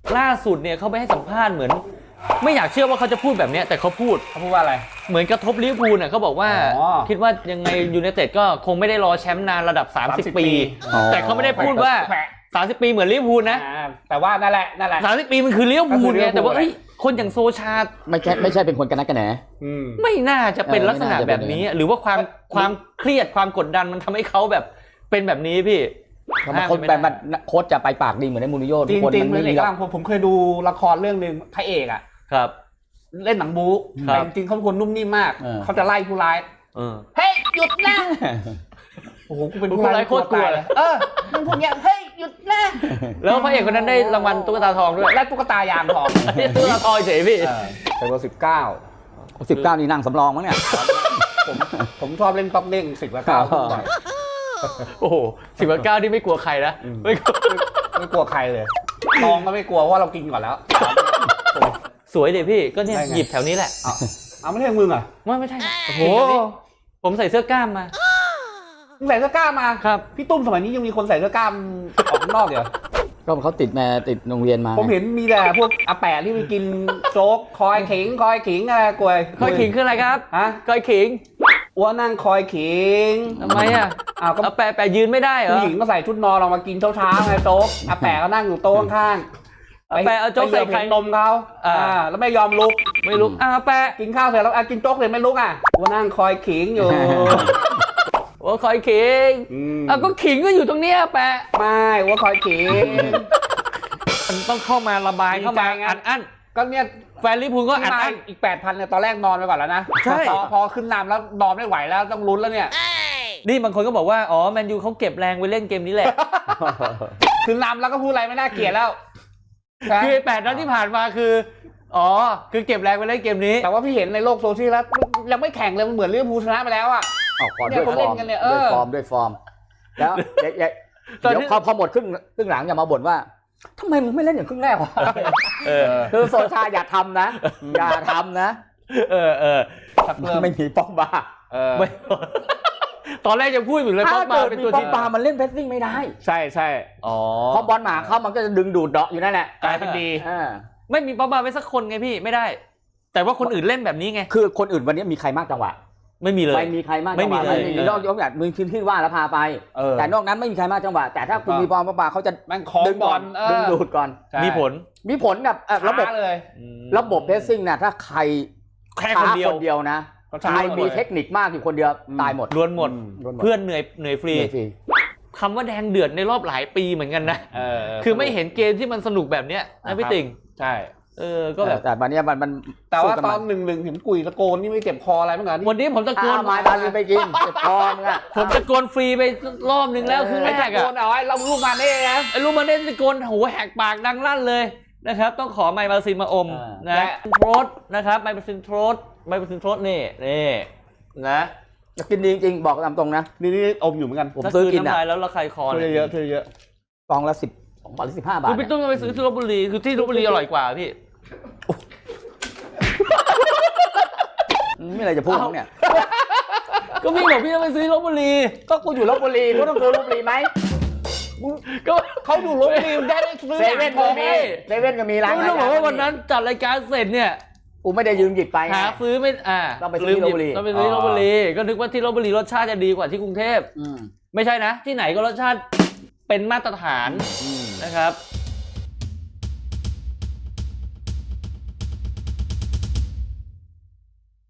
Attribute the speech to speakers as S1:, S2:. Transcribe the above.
S1: ล่าสุดเนี่ยเขาไปให้สัมภาษณ์เหมือนไม่อยากเชื่อว่าเขาจะพูดแบบนี้แต่เขาพูด
S2: ว่าอะไร
S1: เหมือนกระทบลิเวอร์พูลน่ะเขาบอกว่าคิดว่ายังไงยูไนเต็ดก็คงไม่ได้รอแชมป์นานระดับ30 ปีแต่เขาไม่ได้พูดว่า30 ปีเหมือนลิเวอร์พูลนะ
S2: แต่ว่านั่นแหละ
S1: 30 ปีมันคือลิเวอร์พูลไงแต่ว่าคนอย่างโซชา
S3: ไม่ใช่เป็นคนกันนักกันแหน
S1: ไม่น่าจะเป็นลักษณะแบบนี้หรือว่าความเครียดความกดดันมันทำให้เขาแบบเป็นแบบนี้พี่
S3: คนแบบโค้ชจะไปปากดีเหมือนในมูรินโญ่
S2: ทุกคนมันไม่มีผมเคยดูละครเรื่องนึงพระเอกอ่ะ
S1: ครับ
S2: เล่นหนังบู๊แต่จริงๆเขาเป็นคนนุ่มนิ่มมากเขาจะไล่ผู้ร้ายเฮ้ยหยุดนะโอ้โหกูเป็นผู้ร้ายโคตรกลัวเลยมึงพวกเนี้ยเฮ้ยหยุดนะ
S1: แล้วพระเอกคนนั้นได้รางวัลตุ๊กตาทองด้วย
S2: และตุ๊กตายางทอง
S1: ตุ๊กตาทองเฉยพี่
S2: เป็นเบอร์
S3: 19นี่นั่งสำรองมั้งเนี่ย
S2: ผมชอบเล่นต๊อกเด้ง10 กับ 9
S1: โอ้โห10 กับ 9นี่ไม่กลัวใครนะ
S2: ไม่กลัวใครเลยทองก็ไม่กลัวเพราะเรากินก่อนแล้ว
S1: สวยดิพี่ก็เนี่ยหยิบแถวนี้แหละ
S2: เอาไม่ใช่มึงอ่ะ
S1: ไม่ใช่โอ้โหผมใส่เสื้อกล้ามมา
S2: ใส่เสื้อกล้ามมา
S1: ครับ
S2: พี่ตุ้มสมัยนี้ยังมีคนใส่เสื้อกล้ามออกข้างนอกเหรอ
S3: ก็เขาติดโรงเรียนมา
S2: ผมเห็นมีแต่พวกอาแปะที่ไปกินโจ๊กคอยขิงอะไรกล้วย
S1: คอยขิงคืออะไรครับ
S2: ฮะ
S1: คอยขิง
S2: อ้วนนั่งคอยขิง
S1: ทำไมอ่ะอาแปะยืนไม่ได้เหรอ
S2: ผู้หญิงก็ใส่ชุดนอนออกมากินเช้าไงโจ๊กอาแปะก็นั่งอยู่โต๊ะข้าง
S1: แปะเอาโจ๊กใส่ไข่
S2: นมเขาแล้วไม่ยอมลุก
S1: แปะ
S2: กินข้าวเสร็จแล้วกินโจ๊กเลยไม่ลุกว่านั่งคอยขิงอยู่
S1: ว่าคอยขิงก็ขิงก็อยู่ตรงเนี้ยแปะ
S2: ไม่ว่าคอยขิง
S1: มันต้องเข้ามาระบายเข้ามาอัน
S2: ก็เนี่ย
S1: แฟนลิเวอร์พูลก็อัน
S2: อีก 8,000 เนี่ยตอนแรกนอนไปก่อนแล้วนะ
S1: ใช่
S2: พอขึ้นนำแล้วนอนไม่ไหวแล้วต้องลุ้นแล้วเนี่ย
S1: นี่บางคนก็บอกว่าอ๋อแมนยูเขาเก็บแรงไว้เล่นเกมนี้แหละ
S2: ขึ้นนำแล้วก็พูดอะไรไม่น่าเกลียดแล้ว
S1: คือ8 นัดที่ผ่านมาคือคือเก็บแรงไว้เล่นเกมนี้
S2: แต่ว่าพี่เห็นในโลกโซเชียลแล้วยังไม่แข่งเลยมันเหมือนลิเวอร์พูลชนะไปแล้ว
S3: ด้วยฟอร์มแล้วเดี๋ยวพอหมดครึ่งหลังอย่ามาบ่นว่าทำไมมึงไม่เล่นอย่างครึ่งแรกวะคือโซชาอย่าทำนะไม่มีป้อมบา
S1: ตอนแรกจะพูดอยู่เลยป้อมบาเป็นตัวที่
S3: ป้อมบามันเล่นเพสซิ่งไม่ได้
S2: ใช่
S3: พอบอลหมาเข้ามันก็จะดึงดูดเดาะอยู่นั่นแหละ
S2: กลายเป็นดี
S1: ไม่มีป้อมบาไปสักคนไงพี่ไม่ได้แต่ว่าคนอื่นเล่นแบบนี้ไง
S3: คือคนอื่นวันนี้มีใครมากจังหวะ
S1: ไม่มีเลย
S3: ไม่มีใครมากจังหวะนอกจากมึงขึ้นว่าแล้วพาไปแต่นอกนั้นไม่มีใครมากจังหวะแต่ถ้าคุณมีป้อมบาเขาจะ
S2: ดึงบอล
S3: ดึงดูดก่อน
S1: มีผล
S3: แบบระบบเพสซิ่งเนี่ยถ้าใคร
S1: แค่คนเดียว
S3: นะใครมีเทคนิคมากอยู่คนเดียวตายหมด
S1: ล้วนหมดเพื่อนเหนื่อยฟรีคำว่าแดงเดือดในรอบหลายปีเหมือนกันนะคือไม่เห็นเกมที่มันสนุกแบบเนี้ยนะพี่ติ่ง
S2: ใช่
S1: ก็แบบ
S3: แต่วันนี้มัน
S2: แต่ว่าตอน1-1เห็นกุยตะโกนนี่ไม่เจ็บคออะไรบ้างกัน
S1: วันนี้ผมตะโกน
S3: ไม้บาลีไปกินเจ็บคอมึงอ่ะ
S1: ผมตะโกนฟรีไปรอบนึงแล้วคือแรก
S2: อ่ะตะโกนเอาไอ้เราลูกมาเน่นะ
S1: ไอ้ลูกมาเน่ตะโกนโหแหกปากดังลั่นเลยนะครับต้องขอไมค์บาซินมาอมนะโทรสนะครับไมค์บาซินโทรสนี่นะ
S3: กินดีจริงๆบอกตามตรงนะ
S2: นี่อมอยู่เหมือนกัน
S1: ผมซื้อกินอ่ะแล้วราคาคอ
S2: เยอะ
S3: ฟองละ12 บาท 15 บาท
S1: คือพี่ต้องไปซื้อที่ลพบุรีคือที่ลพบุรีอร่อยกว่าพี่
S3: ไม่อะไรจะพูดเนี่ย
S1: ก็พี่บอกพี่ต้องไปซื้อลพบุรี
S3: ก็กูอยู่ลพบุรีกูต้องซื้อลพบุรีไหม
S1: ก็
S2: เขาอยู่ลพบุรีได้ซื้อ
S3: เซเว่นก็มีร้าน
S1: ก็ต้องบอกว่าวันนั้นจัดรายการเสร็จเนี่ย
S3: กูไม่ได้ยืมหยิบไป
S1: หาซื้อไม่
S3: ต้องไปซื้อลพบุรี
S1: ก็นึกว่าที่ลพบุรีรสชาติจะดีกว่าที่กรุงเทพไม่ใช่นะที่ไหนก็รสชาติเป็นมาตรฐานนะครับ